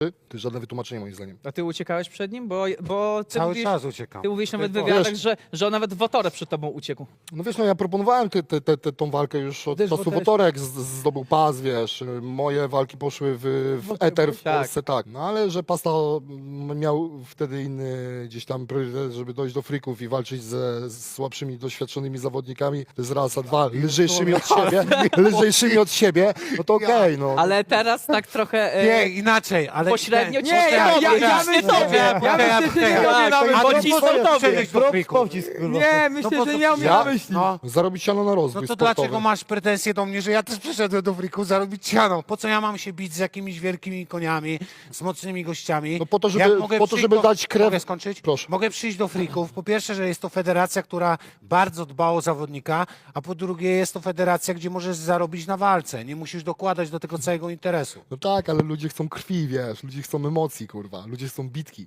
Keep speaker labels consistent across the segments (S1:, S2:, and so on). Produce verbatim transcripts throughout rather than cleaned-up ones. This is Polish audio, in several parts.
S1: To jest żadne wytłumaczenie moim zdaniem.
S2: A ty uciekałeś przed nim? Bo, bo ty
S3: Cały
S2: mówisz,
S3: czas uciekam.
S2: ty mówisz nawet w
S3: Tylko-
S2: wywiadach,
S1: Wiesz-
S2: że, że on nawet w Wotorę przed tobą uciekł.
S1: No wiesz, no ja proponowałem te, te, te, te, tą walkę już od
S4: Też
S1: czasu
S4: Wotorek-
S1: Wotorek z- zdobył pas, wiesz. Moje walki poszły w, w eter w
S2: tak.
S1: Polsce, tak. No ale że Pasta mm, miał wtedy inny gdzieś tam priorytet, żeby dojść do frików i walczyć ze z słabszymi, doświadczonymi zawodnikami. To jest raz, a dwa, lżejszymi od siebie, lżejszymi od siebie, no to okej, no.
S2: Ale teraz tak trochę... e,
S3: Nie, inaczej, ale...
S2: Pośrednio ci
S3: nie,
S2: nie,
S3: ja, ja,
S2: ja- ja
S3: myślę,
S2: tobie.
S3: ja,
S4: Ja
S3: ja,
S4: myślę, że
S3: ja,
S4: nie
S3: ja,
S4: miał na myśli,
S3: ale
S2: bo ci
S3: po
S2: są
S3: co
S2: tobie.
S3: przejść do
S4: Pro-
S3: friku?
S4: Pocisk, kurwa.
S2: Nie,
S3: No
S2: myślę,
S3: po
S2: że
S3: co
S2: miał
S3: ci-
S2: mnie
S1: Ja?
S2: na myśli.
S3: No.
S1: Zarobić siano na rozwój
S3: No to
S1: sportowy.
S3: dlaczego masz pretensje do mnie, że ja też przyszedłem do friku zarobić siano? Po co ja mam się bić z jakimiś wielkimi koniami, z mocnymi gościami?
S1: No po to, żeby-
S3: Jak mogę
S1: po to,
S3: przyjść
S1: żeby
S3: do,
S1: dać krew-
S3: Mogę skończyć?
S1: Proszę.
S3: Mogę przyjść do frików. Po pierwsze, że jest to federacja, która bardzo dba o zawodnika, a po drugie jest to federacja, gdzie możesz zarobić na walce. Nie musisz dokładać do tego całego interesu.
S1: No tak, ale ludzie chcą krwi, wiesz, ludzie chcą emocji, kurwa, ludzie chcą bitki.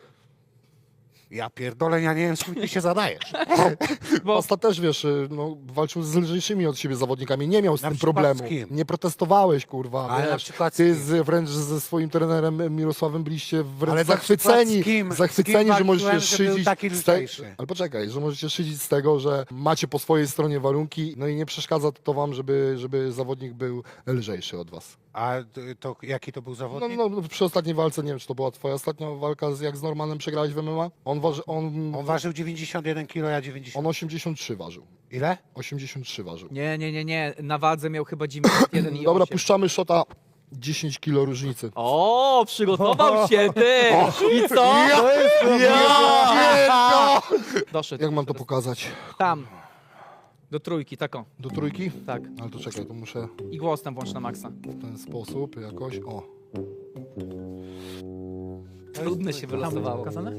S3: Ja pierdolę, ja nie wiem, skąd ty się zadajesz.
S2: Bo
S1: Pasta też, wiesz, y, no, walczył z lżejszymi od siebie zawodnikami, nie miał z
S3: Na
S1: tym
S3: przykład
S1: problemu.
S3: z kim?
S1: Nie protestowałeś, kurwa,
S3: Ale na
S1: wiesz.
S3: przykład z
S1: Ty
S3: kim?
S1: z, wręcz ze swoim trenerem Mirosławem byliście wręcz
S3: Ale na
S1: zachwyceni,
S3: przykład z kim? Z
S1: zachwyceni,
S3: kim
S1: że możecie
S3: walczyłem, że był
S1: szydzić
S3: taki
S1: z te...
S3: lżejszy?
S1: Ale poczekaj, że możecie szydzić z tego, że macie po swojej stronie warunki, no i nie przeszkadza to wam, żeby, żeby zawodnik był lżejszy od was.
S3: A to jaki to był
S1: No,
S3: zawodnik?
S1: no, przy ostatniej walce, nie wiem, czy to była twoja ostatnia walka, z, jak z Normanem przegrałeś w M M A? On, waży, on,
S3: On ważył dziewięćdziesiąt jeden kilo, ja dziewięćdziesiąt.
S1: on osiemdziesiąt trzy ważył.
S3: Ile?
S1: osiemdziesiąt trzy ważył.
S2: nie, nie, nie, nie. Na wadze miał chyba dziewięćdziesiąt jeden i
S1: Dobra,
S2: osiem.
S1: puszczamy szota dziesięć kilo różnicy.
S2: O, przygotował się ty! I co? Doszedł.
S1: Jak mam to pokazać?
S2: Tam. Do trójki, taką.
S1: Do trójki?
S2: Tak.
S1: Ale to czekaj, to muszę
S2: I głos tam włącz na maksa.
S1: w ten sposób jakoś, o.
S2: Trudne się wylosowało.
S4: Pokazane?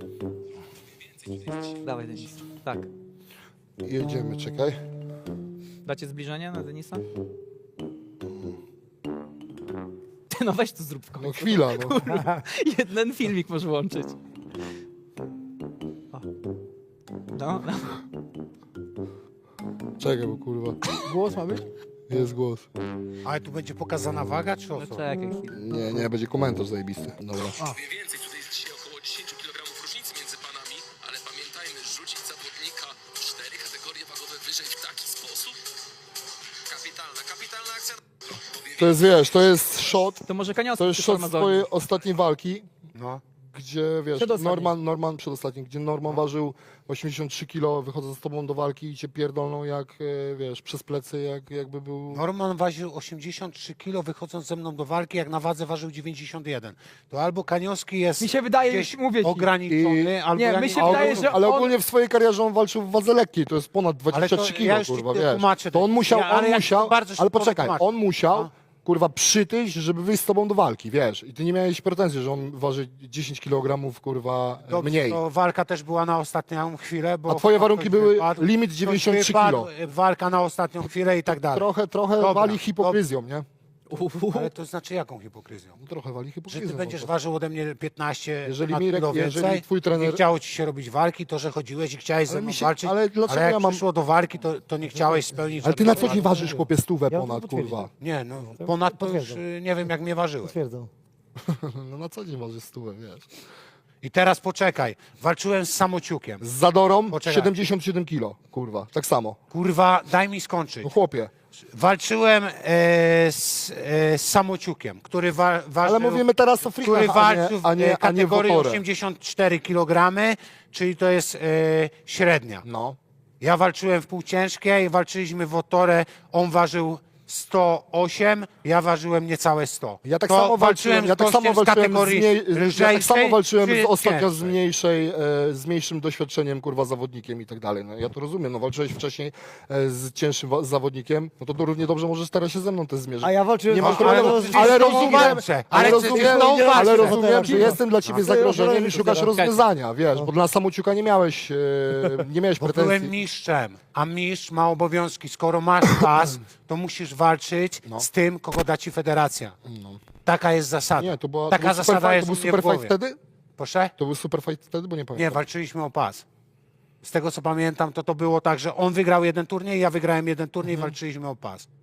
S2: Dawaj, Denis. Tak.
S1: Jedziemy, czekaj.
S2: Dacie zbliżenie na Denisa? Ty, no weź to zrób w końcu.
S1: No chwila, no.
S2: Jeden filmik możesz włączyć. O. No, no.
S1: Czekaj, bo kurwa,
S4: Głos ma być?
S1: jest głos.
S3: Ale tu będzie pokazana waga, czy o
S2: No
S3: co?
S2: czekaj chwilę.
S1: Nie, nie, będzie komentarz zajebisty. Dobra.
S5: Powiem więcej, tutaj jest dzisiaj około dziesięć kilogramów różnicy między panami, ale pamiętajmy, rzucić zawodnika w cztery kategorie wagowe wyżej w taki sposób? Kapitalna, kapitalna akcja. Powiem
S1: To jest, wiesz, to jest shot,
S2: To może Kaniowski
S1: to jest
S2: przy
S1: shot z
S2: Farmazonie.
S1: twojej ostatniej walki,
S3: No.
S1: gdzie, wiesz,
S4: Przedostatniej.
S1: Norman, Norman przedostatni, gdzie Norman ważył osiemdziesiąt trzy kilo, wychodzę z tobą do walki i cię pierdolną jak, e, wiesz, przez plecy, jak, jakby był...
S3: Norman ważył osiemdziesiąt trzy kilo, wychodząc ze mną do walki, jak na wadze ważył dziewięćdziesiąt jeden. To albo Kaniowski jest
S4: Mi się wydaje,
S3: gdzieś
S4: mówię ci.
S3: ograniczony,
S1: I-
S3: albo
S4: Nie,
S3: ja
S4: my się
S1: A
S4: wydaje,
S1: ogólnie,
S4: że
S1: ale
S4: on-
S1: ogólnie w swojej karierze on walczył w wadze lekkiej, to jest ponad dwadzieścia trzy
S3: to
S1: kilo,
S3: ja już ci
S1: kurwa,
S3: to
S1: wiesz.
S3: tłumaczę.
S1: To on musiał,
S3: Ja- ale
S1: on
S3: ja
S1: musiał,
S3: bardzo szybko
S1: ale poczekaj,
S3: wytłumaczę.
S1: on musiał,
S3: No.
S1: kurwa, przytyć, żeby wyjść z tobą do walki, wiesz. I ty nie miałeś pretensji, że on waży dziesięć kilogramów, kurwa,
S3: Dobrze,
S1: mniej.
S3: to walka też była na ostatnią chwilę, bo...
S1: A twoje warunki
S3: ktoś
S1: były
S3: wypadł,
S1: limit
S3: ktoś
S1: dziewięćdziesiąt trzy
S3: wypadł,
S1: kilo.
S3: Walka na ostatnią chwilę i tak dalej.
S1: Trochę, trochę
S3: Dobra,
S1: wali hipokryzją, nie?
S2: Uhu.
S3: Ale to znaczy jaką hipokryzją?
S1: No, trochę wali
S3: Że
S1: hipokryzją.
S3: ty będziesz
S1: po
S3: ważył ode mnie piętnaście
S1: Jeżeli
S3: ponad
S1: Mirek-
S3: kilo
S1: jeżeli
S3: więcej,
S1: twój trener-
S3: nie chciało ci się robić walki, to że chodziłeś i chciałeś ze
S1: Ale
S3: mną
S1: mi się-
S3: walczyć,
S1: ale dlaczego
S3: jak
S1: ja mam-
S3: przyszło do walki, to, to nie chciałeś spełnić...
S1: Ale ty na co
S3: żadnego
S1: dzień
S3: warunku.
S1: ważysz, chłopie, stówę
S4: Ja
S1: ponad,
S4: potwierdzam.
S1: kurwa.
S3: Nie, no ponad to już
S4: Potwierdzam.
S3: y, nie wiem jak mnie ważyłeś.
S4: Potwierdzam.
S1: No na co dzień ważysz stówę, wiesz.
S3: I teraz poczekaj, walczyłem z samociukiem.
S1: Z Zadorą
S3: Poczekaj.
S1: siedemdziesiąt siedem kilo, kurwa, tak samo.
S3: Kurwa, daj mi skończyć.
S1: No chłopie,
S3: Walczyłem e, z, e, z samociukiem, który wa, ważył...
S1: ale mówimy teraz o
S3: który
S1: frikach, a nie,
S3: walczył w
S1: a nie,
S3: e,
S1: a nie w
S3: kategorii
S1: Wotorę.
S3: osiemdziesiąt cztery kilogramy, czyli to jest e, średnia.
S1: No.
S3: Ja walczyłem w półciężkiej, walczyliśmy w Wotorę, on ważył sto osiem, ja ważyłem niecałe sto.
S1: Ja tak
S3: To
S1: samo walczyłem,
S3: z
S1: ja tak samo
S3: gościem z
S1: walczyłem, z
S3: kategorii
S1: mniej, ja tak
S3: lżejszej
S1: samo walczyłem
S3: czy
S1: z ostatnio z
S3: cięższej?
S1: mniejszej, e, z mniejszym doświadczeniem, kurwa, zawodnikiem i tak dalej. No, ja to rozumiem, no walczyłeś wcześniej e, z cięższym wa- zawodnikiem, no to, to równie dobrze możesz teraz się ze mną też zmierzyć.
S4: A ja walczyłem
S1: Nie
S4: z
S1: mam
S3: ale
S1: problemu,
S3: przecież
S1: ale
S3: z tą
S1: rozumiem,
S3: walczę,
S1: ale
S3: ale przecież
S1: rozumiem,
S3: z tą walczę.
S1: ale rozumiem, że
S4: No.
S1: jestem dla ciebie
S4: No.
S1: zagrożeniem i
S4: No.
S1: szukasz
S4: No.
S1: rozwiązania, wiesz, bo dla samociuka nie miałeś, e, nie miałeś
S3: Bo byłem
S1: pretensji.
S3: mistrzem, a mistrz ma obowiązki. Skoro masz pas, to musisz walczyć
S1: No.
S3: z tym, kogo da ci federacja. Taka jest zasada.
S1: Nie, to była, to
S3: Taka
S1: był
S3: zasada
S1: super
S3: jest
S1: fight, to
S3: u
S1: był
S3: mnie w
S1: super fight
S3: głowie.
S1: wtedy?
S3: Proszę?
S1: To był super fight wtedy, bo nie
S3: Nie,
S1: pamiętam.
S3: walczyliśmy o pas. Z tego co pamiętam, to to było tak, że on wygrał jeden turniej, ja wygrałem jeden turniej,
S1: Mhm.
S3: walczyliśmy o pas.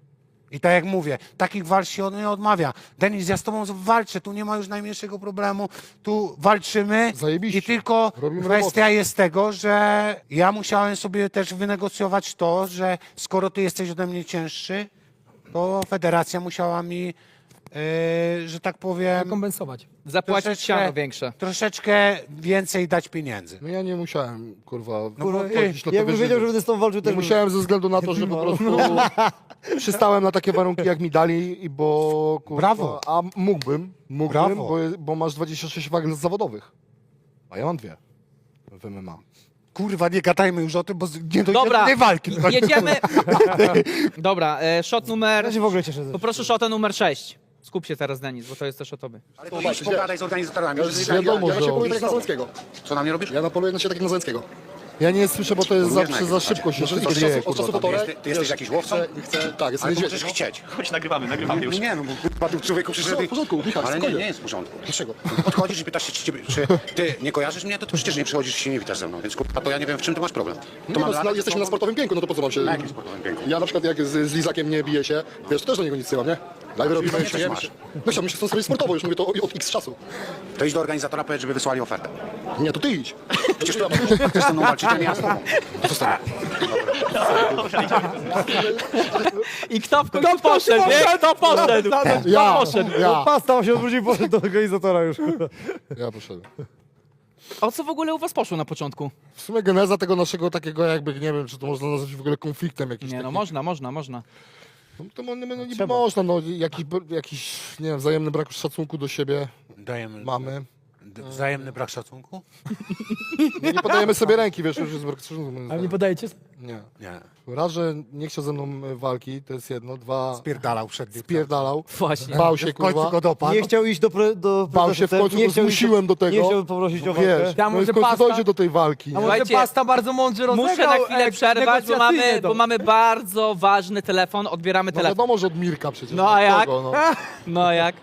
S3: I tak jak mówię, takich walk się od nie odmawia. Denis, ja z tobą walczę, tu nie ma już najmniejszego problemu, tu walczymy
S1: Zajebiście.
S3: i tylko
S1: Robimy
S3: kwestia
S1: robotę.
S3: jest tego, że ja musiałem sobie też wynegocjować to, że skoro ty jesteś ode mnie cięższy, to federacja musiała mi, yy, że tak powiem,
S2: Kompensować. Zapłacić siano większe.
S3: troszeczkę więcej dać pieniędzy.
S1: No ja nie musiałem, kurwa,
S3: Kurwa,
S1: wchodzić na to,
S4: Jakbym
S1: wiesz,
S4: wiedział,
S1: że-
S4: że będę z tą walczył,
S1: Nie
S4: też bym-
S1: musiałem ze względu na to, że po prostu przystałem na takie warunki, jak mi dali, i bo kurwa,
S3: Brawo.
S1: a mógłbym, mógłbym,
S3: Brawo.
S1: bo, bo masz dwadzieścia sześć wag zawodowych, a ja mam dwie w M M A.
S3: Kurwa, nie gadajmy już o tym, bo z- nie dojdzie
S2: Dobra,
S3: do tej walki.
S2: jedziemy. Dobra, e, shot numer...
S4: Ja się w ogóle cieszę. że-
S2: Poproszę shota numer sześć. Skup się teraz, Denis, bo to jest też o tobie.
S6: Ale to idź pogadaj z organizatorami.
S1: Ja- wiadomo,
S6: ja,
S1: że
S6: ja się
S1: on-
S6: poluję tak na Załęckiego. Co na mnie robisz?
S1: Ja napoluję na siebie tak jak na Załęckiego. Ja nie słyszę, bo to jest
S6: Również
S1: zawsze
S6: na
S1: za
S6: jakiejś
S1: szybko się
S6: Może
S1: wszystko
S6: od
S1: dzieje,
S6: czasu- od
S1: kurwa.
S6: czasu
S1: tam.
S6: półtorej- Ty jesteś jakiś łowcą?
S1: Chcę, chcę, tak, jestem
S6: Ale to
S1: niedźwiedziem.
S6: możesz chcieć.
S7: Chodź, nagrywamy, nagrywamy już.
S6: No nie, no bo kurwa, tu człowieku przyszedł...
S1: No, w porządku, Michał,
S6: Ale nie,
S1: spokojnie.
S6: nie jest w porządku.
S1: Dlaczego?
S6: Podchodzisz i pytasz się, czy, ciebie- czy ty nie kojarzysz mnie, to ty przecież nie przychodzisz i się nie witasz ze mną, więc kurwa, to ja nie wiem, w czym ty masz problem. To
S1: Nie,
S6: mam
S1: no,
S6: lat-
S1: no, jesteśmy na sportowym pięku, no to po co mam się...
S6: Na jakim sportowym pięku?
S1: Ja na przykład jak z, z Lizakiem nie biję się, wiesz, to też do niego nic nie mam, nie? Live robimy,
S6: pewnie
S1: śmiejemy
S6: coś
S1: się. No chciałbym się z tą sobie sportowo, już mówię to od x czasu.
S6: To idź do organizatora, powiedz, żeby wysłali ofertę.
S1: Nie, to ty idź.
S6: Przecież ty chcesz ze mną walczyć, a nie ja z tobą. Co z tobą?
S2: I kto w końcu poszedł, nie? Kto poszedł?
S1: Ja,
S2: Kto poszedł?
S1: ja,
S4: Pasta się odwrócił, poszedł do organizatora już.
S1: ja poszedłem.
S2: O co w ogóle u was poszło na początku?
S1: W sumie geneza tego naszego takiego jakby, nie wiem, czy to można nazwać w ogóle konfliktem jakimś
S2: Nie, no
S1: takim.
S2: można, można, można.
S1: No, to mo- no, niby można, no jakiś, jakiś, nie wiem, wzajemny brak szacunku do siebie
S3: Dajemy
S1: mamy.
S3: d- wzajemny brak szacunku?
S1: No, nie podajemy sobie ręki, wiesz, już jest brak szacunku. moim
S4: Ale nie
S1: zdaniem.
S4: podajecie?
S1: Nie.
S3: Nie.
S1: Raz, że nie chciał ze mną e, walki, to jest jedno. Dwa,
S3: Spierdalał przed nim.
S1: spierdalał.
S2: Właśnie.
S1: Bał się,
S3: W końcu
S1: kurwa.
S3: go dopadł.
S4: Nie chciał iść do, pre, do
S1: Bał się w końcu,
S4: nie
S1: go
S4: chciał iść
S1: zmusiłem do tego.
S4: Nie chciał poprosić o walkę.
S1: Wiesz,
S8: Tam
S1: no i w
S8: może
S1: końcu
S8: pasta-
S1: dojdzie do tej walki.
S8: A
S1: nie?
S8: może
S2: Słuchajcie,
S8: Pasta bardzo mądrze rozegrał.
S2: Muszę na chwilę
S8: e,
S2: przerwać, bo
S8: negocjacyjnie
S2: mamy,
S8: to.
S2: bo mamy bardzo ważny telefon. Odbieramy
S1: No
S2: telefon.
S1: wiadomo, że od Mirka przecież.
S2: No a jak?
S1: Kogo, no.
S2: No a jak?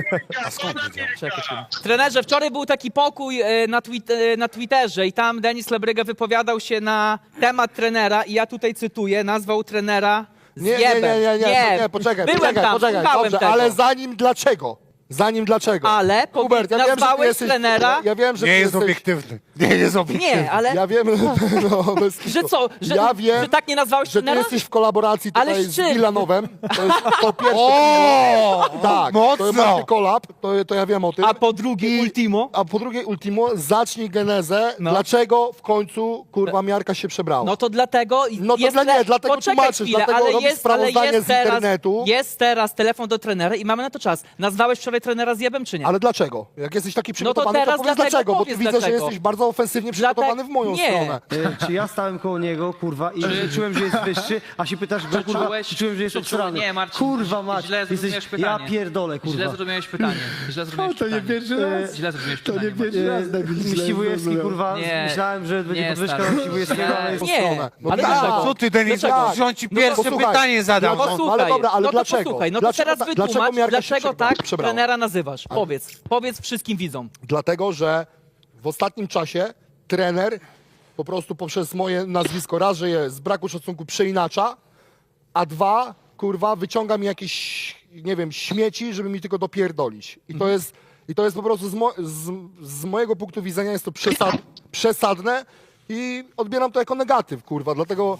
S2: Czekaj, chwilę. Trenerze, wczoraj był taki pokój e, na, twit, e, na Twitterze i tam Denis Lebryga wypowiadał się na temat trenera i ja tutaj cytuję, nazwał trenera
S1: Nie, nie, nie,
S2: zjebem.
S1: nie, nie, nie, nie, poczekaj,
S2: Byłem
S1: poczekaj,
S2: tam,
S1: poczekaj,
S2: słuchałem
S1: dobrze,
S2: tego.
S1: ale zanim dlaczego? Zanim dlaczego?
S2: Ale powie-
S1: Hubert, ja wiem, że ty
S2: nazwałeś
S1: jesteś,
S2: trenera-
S1: Ja, ja wiem, że
S3: Nie
S1: ty
S3: jest
S1: jesteś,
S3: obiektywny. Nie jest obiektywny.
S2: Nie, ale
S1: Ja wiem, no, bez
S2: że
S1: kitu.
S2: co, że,
S1: ja wiem,
S2: że tak nie nazwałeś
S1: że ty
S2: trenera?
S1: jesteś w kolaboracji
S2: Ale
S1: tutaj
S2: z
S1: z
S2: czym?
S1: Milanowem. To jest to pierwsze.
S3: O!
S1: tak,
S3: mocno!
S1: to macie kolab, to, to ja wiem o tym.
S2: A po drugie
S1: I-
S2: Ultimo?
S1: A po drugie Ultimo, zacznij genezę,
S2: No.
S1: dlaczego w końcu, kurwa, miarka się przebrała.
S2: No to dlatego
S1: No to
S2: jest
S1: dla- nie,
S2: le-
S1: dlatego
S2: Poczekaj
S1: tłumaczysz,
S2: chwilę,
S1: dlatego
S2: ale
S1: robisz
S2: jest, ale
S1: sprawozdanie
S2: jest
S1: z
S2: teraz,
S1: internetu.
S2: Jest teraz telefon do trenera i mamy na to czas. Nazwałeś wczoraj trenera zjebem, czy nie?
S1: Ale dlaczego? Jak jesteś taki przygotowany,
S2: teraz
S1: to powiedz
S2: dlatego
S1: dlaczego, bo
S2: powiedz
S1: tu widzę, że
S2: dlaczego.
S1: jesteś bardzo ofensywnie przygotowany w moją
S2: nie.
S1: stronę.
S4: E, Czy ja stałem koło niego, kurwa, i że czułem, że jest wyższy, a się pytasz, że kurwa,
S9: czułeś-
S4: czy czułem, że jest
S9: czy czułeś-
S4: obsrany.
S9: nie, Marcin,
S4: Kurwa mać,
S9: źle zrozumiałeś
S4: jesteś,
S9: pytanie.
S4: ja pierdolę, kurwa.
S9: Źle zrozumiałeś pytanie. Źle zrozumiałeś pytanie.
S4: raz.
S9: Źle zrozumiałeś pytanie. Marcin.
S4: E, Myśliwujewski, kurwa,
S9: Nie.
S4: myślałem, że będzie
S9: Nie,
S4: podwyżka
S9: stary.
S4: na Myśliwujewskiego, ale jest
S2: Nie,
S1: stronę. No
S2: ale
S1: tak.
S2: dlaczego?
S3: Co ty, Denis?
S2: Dlaczego?
S3: Że on ci
S1: No
S3: pierwsze
S1: posłuchaj.
S3: pytanie zadał.
S1: No
S3: No,
S1: posłuchaj. ale dobra, ale
S2: no to
S1: dlaczego?
S2: posłuchaj, no to
S1: Dlaczego
S2: teraz
S1: ta- dlaczego
S2: wytłumacz,
S1: miarka się
S2: dlaczego
S1: przebra-
S2: tak
S1: przebrała?
S2: trenera nazywasz. Powiedz, powiedz wszystkim widzom.
S1: Dlatego, że w ostatnim czasie trener po prostu poprzez moje nazwisko raz, że je z braku szacunku przeinacza, a dwa, kurwa, wyciąga mi jakieś, nie wiem, śmieci, żeby mi tylko dopierdolić. I to jest, i to jest po prostu z, mo z, z mojego punktu widzenia jest to przesad przesadne i odbieram to jako negatyw, kurwa, dlatego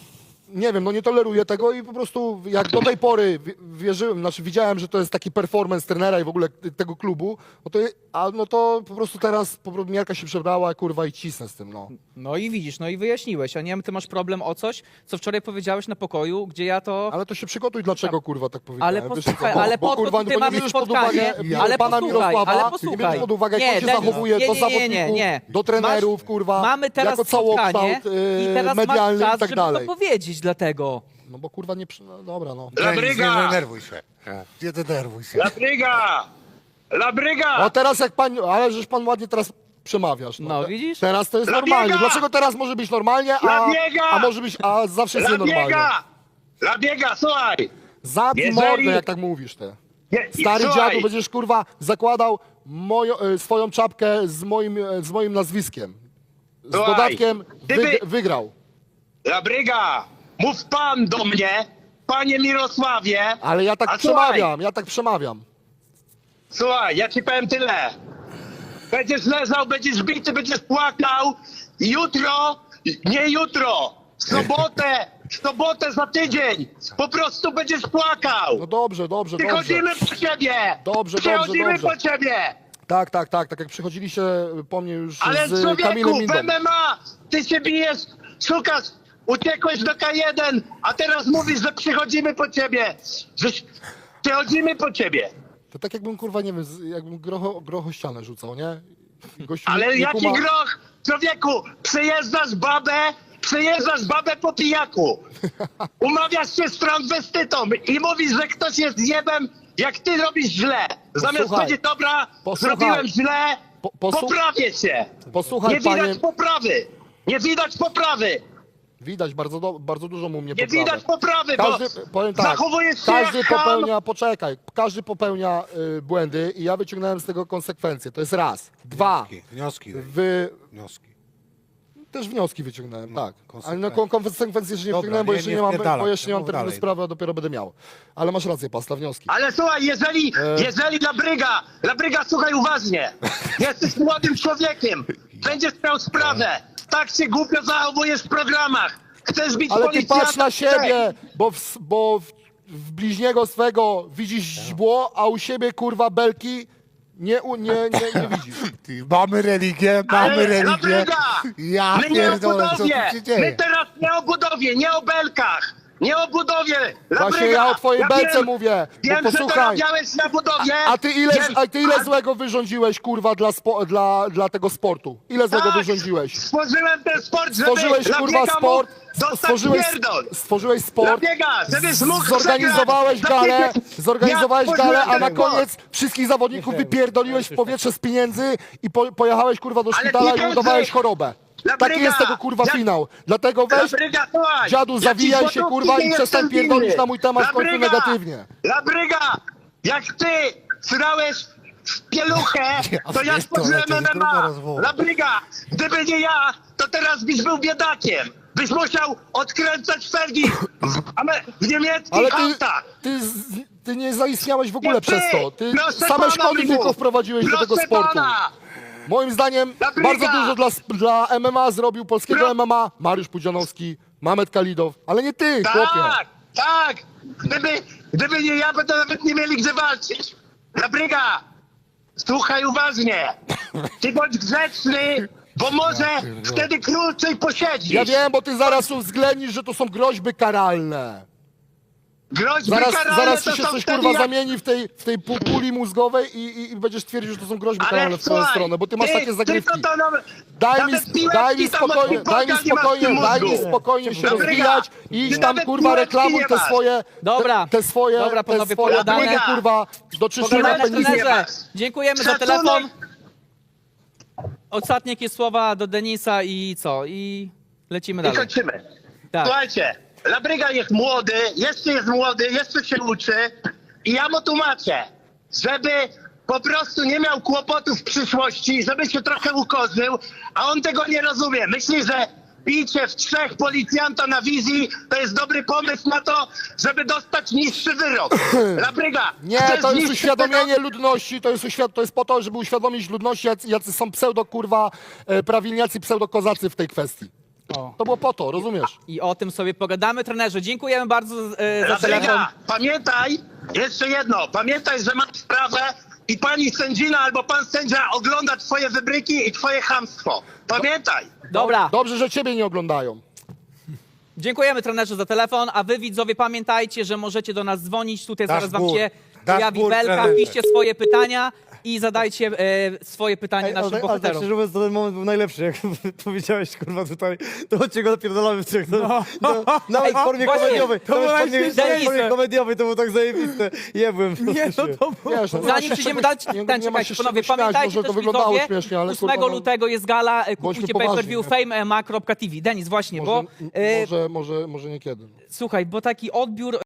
S1: nie wiem, no nie toleruję tego i po prostu jak do tej pory wi- wierzyłem, znaczy widziałem, że to jest taki performance trenera i w ogóle tego klubu, no to, a, no to po prostu teraz po prostu miarka się przebrała, kurwa, i cisnę z tym, no.
S2: No i widzisz, no i wyjaśniłeś, a nie wiem, ty masz problem o coś, co wczoraj powiedziałeś na pokoju, gdzie ja to...
S1: Ale to się przygotuj, dlaczego, kurwa, tak powiedziałem.
S2: Ale
S1: Wiesz
S2: posłuchaj,
S1: co, bo-
S2: ale
S1: bo,
S2: po to
S1: kurwa,
S2: tutaj
S1: bo nie
S2: mamy
S1: bierzesz pod
S2: spotkanie,
S1: uwagę
S2: ale
S1: pana
S2: posłuchaj,
S1: Mirosława,
S2: ale
S1: nie
S2: posłuchaj.
S1: bierzesz pod uwagę, jak
S2: Nie,
S1: on się
S2: Denis,
S1: zachowuje
S2: nie,
S1: do
S2: nie, nie, nie,
S1: zawodników,
S2: nie.
S1: do trenerów,
S2: Masz-
S1: kurwa,
S2: Mamy teraz
S1: jako
S2: spotkanie
S1: całokształt
S2: i
S1: yy,
S2: teraz masz
S1: medialny
S2: czas,
S1: i tak
S2: żeby
S1: dalej.
S2: to powiedzieć dlatego.
S1: No bo kurwa nie, przy- no dobra, no.
S3: Denis, nie denerwuj się. Nie denerwuj się.
S7: La Bryga! La Bryga!
S1: O teraz jak pan, ale żeś pan ładnie teraz przemawiasz. No,
S2: No,
S1: Te-
S2: widzisz?
S1: Teraz to jest
S7: La
S1: normalnie.
S7: biega!
S1: Dlaczego teraz może być normalnie, a,
S7: La biega!
S1: a może być, a zawsze jest
S7: La
S1: nienormalnie?
S7: Biega! La Biega, słuchaj!
S1: Zabij
S7: Jeżeli-
S1: mordę, jak tak mówisz ty.
S7: Je- i
S1: Stary
S7: słuchaj,
S1: dziadu, będziesz kurwa zakładał moją, e, swoją czapkę z moim, e, z moim nazwiskiem. Z
S7: Słuchaj,
S1: dodatkiem
S7: gdyby-
S1: wyg wygrał.
S7: La Bryga! Mów pan do mnie, panie Mirosławie.
S1: Ale ja tak
S7: A słuchaj,
S1: przemawiam, ja tak przemawiam.
S7: Słuchaj, ja ci powiem tyle. Będziesz leżał, będziesz bity, będziesz płakał. Jutro, nie jutro, w sobotę, w sobotę za tydzień. Po prostu będziesz płakał.
S1: No dobrze, dobrze, dobrze.
S7: Przychodzimy po ciebie.
S1: Dobrze, dobrze,
S7: Przychodzimy
S1: dobrze.
S7: po ciebie.
S1: Tak, tak, tak, tak jak przychodziliście po mnie już
S7: Ale
S1: z
S7: człowieku,
S1: Kamilem
S7: w
S1: Mindą.
S7: M M A ty się bijesz, szukasz, uciekłeś do K jeden, a teraz mówisz, że przychodzimy po ciebie. Że przychodzimy po ciebie.
S1: To tak jakbym, kurwa, nie wiem, z- jakbym grocho, grocho ścianę rzucał, nie? Gościu
S7: Ale
S1: nie, nie
S7: jaki
S1: kuma...
S7: groch? Człowieku, przejeżdżasz babę, przejeżdżasz babę po pijaku. Umawiasz się z transwestytą i mówisz, że ktoś jest zjebem, jak ty robisz źle. Zamiast
S1: Posłuchaj.
S7: powiedzieć, dobra,
S1: Posłuchaj.
S7: zrobiłem źle,
S1: Po- posłu-
S7: poprawię się.
S1: Posłuchaj,
S7: Nie widać
S1: panie...
S7: poprawy. Nie widać poprawy.
S1: Widać, bardzo, do, bardzo dużo mu mnie
S7: Nie
S1: poprawy.
S7: widać poprawy,
S1: Każdy,
S7: bo
S1: powiem tak,
S7: zachowujesz się
S1: każdy
S7: jak ham.
S1: popełnia, poczekaj, każdy popełnia y, błędy i ja wyciągnąłem z tego konsekwencje. To jest raz. Dwa,
S3: Wnioski,
S1: wy
S3: wnioski.
S1: też wnioski wyciągnąłem, tak. Ale no
S3: konsekwencje.
S1: kon- konsekwencje jeszcze nie
S3: Dobra,
S1: wyciągnąłem, bo
S3: nie-
S1: jeszcze
S3: nie
S1: nie, mam,
S3: wpierdalam
S1: bo jeszcze
S3: się,
S1: nie mam
S3: mów
S1: terminu
S3: dalej.
S1: sprawy, a dopiero będę miał. Ale masz rację, Pasta, wnioski.
S7: Ale słuchaj, jeżeli,
S1: E.
S7: jeżeli Labryga, Labryga, słuchaj uważnie. Jesteś młodym człowiekiem. Będziesz miał sprawę. Tak się głupio zachowujesz w programach. Chcesz bić
S1: Ale ty
S7: policjanta?
S1: patrz na siebie, bo w, bo w, w bliźniego swego widzisz źbło, a u siebie, kurwa, belki nie, u- nie, nie, nie widzisz.
S3: Ty, mamy religię, mamy
S7: Ale
S3: religię.
S7: Labryga,
S3: Ja
S7: my nie o
S3: pierdolę, co tu
S7: budowie.
S3: się dzieje?
S7: My teraz nie o budowie, nie o belkach. Nie o budowie. Labryga,
S1: Właśnie ja o twojej belce
S7: wiem,
S1: mówię, bo
S7: Wiem, że
S1: posłuchaj.
S7: zarabiałeś na budowie.
S1: A ty ile,
S7: Wiem,
S1: a ty ile
S7: a-
S1: złego wyrządziłeś, kurwa, dla, spo, dla, dla tego sportu? Ile złego
S7: Tak,
S1: wyrządziłeś?
S7: Stworzyłem ten sport, żeby
S1: Stworzyłeś, kurwa,
S7: Labryga
S1: sport,
S7: mógł dostać
S1: stworzyłeś,
S7: pierdol.
S1: stworzyłeś sport,
S7: Labryga, żebyś mógł
S1: zorganizowałeeś
S7: przegrać.
S1: galę,
S7: Dlatego
S1: zorganizowałeś
S7: ja
S1: galę, a na
S7: stworzyłem ten
S1: koniec wszystkich zawodników wypierdoliłeś w powietrze z pieniędzy i po, pojechałeś, kurwa, do
S7: Ale
S1: szpitala i
S7: pieniądze-
S1: udawałeś chorobę.
S7: Labryga,
S1: Taki jest tego, kurwa,
S7: jak-
S1: finał. Dlatego weź,
S7: Labryga, słuchaj,
S1: dziadu,
S7: ja ci
S1: zawijaj się,
S7: złotówki
S1: kurwa,
S7: nie
S1: i przestań
S7: jestem
S1: pierdolić
S7: winny.
S1: na mój temat w końcu
S7: Labryga,
S1: negatywnie.
S7: Labryga, jak ty srałeś w pieluchę, to ja
S3: pierdolę,
S7: stworzyłem
S3: to jest
S7: M M
S3: gruba
S7: A.
S3: rozmowa.
S7: Labryga, gdyby nie ja, to teraz byś był biedakiem. Byś musiał odkręcać felgi w, ame- w niemieckich
S1: Ale ty,
S7: autach.
S1: ty, z- ty nie zaistniałeś w ogóle
S7: Nie
S1: przez to. Ty
S7: proszę
S1: same
S7: pana,
S1: szkody
S7: mi
S1: tylko
S7: mów.
S1: wprowadziłeś do
S7: Proszę
S1: tego sportu.
S7: Pana.
S1: Moim zdaniem
S7: Labryga!
S1: bardzo dużo dla, sp- dla M M A zrobił polskiego
S7: Pro-
S1: M M A Mariusz Pudzianowski, Mamet Kalidow, ale nie ty, chłopie.
S7: Tak, tak. Gdyby, gdyby nie ja, by to nawet nie mieli gdzie walczyć. Labryga, słuchaj uważnie. Ty bądź grzeczny, bo może wtedy krócej posiedzisz.
S1: Ja wiem, bo ty zaraz uwzględnisz, że to są groźby karalne.
S7: Groźby
S1: Zaraz,
S7: karalne
S1: zaraz
S7: to
S1: ci się
S7: są
S1: coś,
S7: wtedy
S1: kurwa,
S7: jak-
S1: zamieni w tej, w tej pu- puli mózgowej i, i, i będziesz twierdził, że to są groźby karalne
S7: Ale
S1: w twoją
S7: słuchaj,
S1: stronę, bo ty masz
S7: ty,
S1: takie zagrywki.
S7: tylko to nawet-
S1: Daj mi,
S7: nawet
S1: sp-
S7: piłeczki
S1: daj mi
S7: tam od
S1: spokojnie, daj mi
S7: piłkarza nie masz w
S1: spokojnie,
S7: tym
S1: daj mi
S7: mózgu.
S1: spokojnie się
S7: Labryga,
S1: rozwijać i idź
S7: ty
S1: tam,
S7: nawet
S1: kurwa,
S7: piłeczki
S1: reklamuj
S7: nie
S1: te
S7: masz.
S1: swoje,
S2: Dobra.
S1: te, te swoje,
S2: Dobra,
S1: te
S2: panowie,
S1: swoje
S2: pogadamy.
S1: dane, kurwa, do czyszczenia
S2: Pogadamy,
S1: penisa.
S2: trenerze. Dziękujemy za
S7: Szacunek.
S2: telefon. Ostatnie jakieś słowa do Denisa i co? I lecimy
S7: I
S2: dalej.
S7: kończymy.
S2: Tak.
S7: Słuchajcie, Labryga jest młody, jeszcze jest młody, jeszcze się uczy i ja mu tłumaczę, żeby po prostu nie miał kłopotów w przyszłości, żeby się trochę ukorzył, a on tego nie rozumie. Myśli, że bicie w trzech policjanta na wizji to jest dobry pomysł na to, żeby dostać niższy wyrok. Labryga,
S1: Nie,
S7: chcesz
S1: to jest
S7: niższy
S1: uświadomienie
S7: wyrok?
S1: ludności, to jest, uświad- to jest po to, żeby uświadomić ludności, jacy, jacy są pseudo, kurwa, e, prawilniacy, pseudo-kozacy w tej kwestii. To było po to, rozumiesz?
S2: I o tym sobie pogadamy. Trenerze, dziękujemy bardzo e, za telefon.
S7: Labryga, pamiętaj, jeszcze jedno, pamiętaj, że masz sprawę i pani sędzina albo pan sędzia ogląda twoje wybryki i twoje chamstwo. Pamiętaj.
S2: Dobra,
S1: Dobrze, że ciebie nie oglądają.
S2: dziękujemy trenerze za telefon, a wy widzowie pamiętajcie, że możecie do nas dzwonić. Tutaj zaraz wam
S3: Dashboard.
S2: się pojawi
S3: Dashboard,
S2: belka,
S3: trenerze.
S2: piszcie swoje pytania i zadajcie e, swoje pytanie
S4: Ej, ale,
S2: naszym
S4: tak- ale tak
S2: bohaterom.
S4: szczerze mówiąc, to ten moment był najlepszy, jak powiedziałeś, kurwa, tutaj, to chodźcie go napierdolamy w trzech. No, no, nawet w formie
S2: właśnie,
S4: komediowej,
S2: to
S4: nawet w
S2: było
S4: formie,
S2: najśmieszniejsze.
S4: nawet w formie komediowej, to było tak zajebiste. Jebłem. Nie, no to
S1: Wiesz, no, nie ma
S2: Zanim
S1: się
S2: przejdziemy
S1: czego-
S2: dalej,
S1: nie-
S2: ten
S1: nie ma
S2: czekajcie,
S1: się
S2: panowie,
S1: czego śmiać,
S2: pamiętajcie
S1: może to
S2: też
S1: wyglądało
S2: widzowie,
S1: śmiesznie, ale
S2: ósmego
S1: kurwa, no,
S2: lutego jest gala, e,
S1: bądźmy
S2: kupujcie
S1: poważni,
S2: pay-per-view
S1: nie?
S2: fame M M A kropka T V. Denis, właśnie,
S1: może,
S2: bo e,
S1: może, może, może niekiedy.
S2: słuchaj, bo taki odbiór